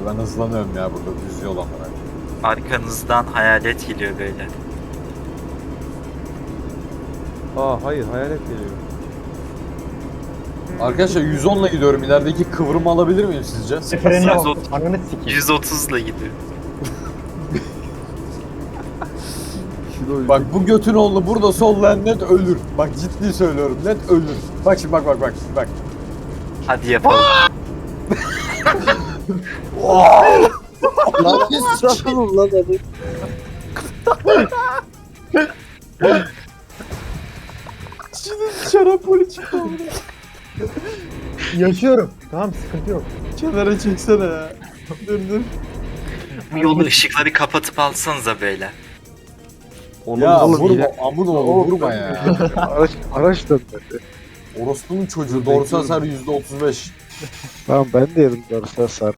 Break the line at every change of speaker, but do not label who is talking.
ben hızlanıyorum ya burada düz yol olarak.
Arkanızdan hayalet geliyor böyle.
Aa hayır hayalet geliyor.
Arkadaşlar 110'la gidiyorum. İlerideki kıvrımı alabilir miyim sizce?
Frenine bak.
130.
Ananı sikeyim.
130 ile gidiyor.
Kilo
Bak bu götün oğlu burada sollayan net ölür. Bak ciddi söylüyorum net ölür. Bak şimdi bak.
Hadi yapalım.
Lan ne sıçradın lan hadi.
Şarapoli çıktı
Yaşıyorum. Tamam sıkıntı yok.
Kenara çeksene ya. Dur.
Bu yolu ışıkları kapatıp alsanıza böyle.
Oğlum,
Ya
oğlum,
vurma
yine-
amın oğlu vurma ya.
Araç dönmedi.
Orospu'nun çocuğu doğrusu hasar %35.
Tamam ben de yedim doğrusu hasar.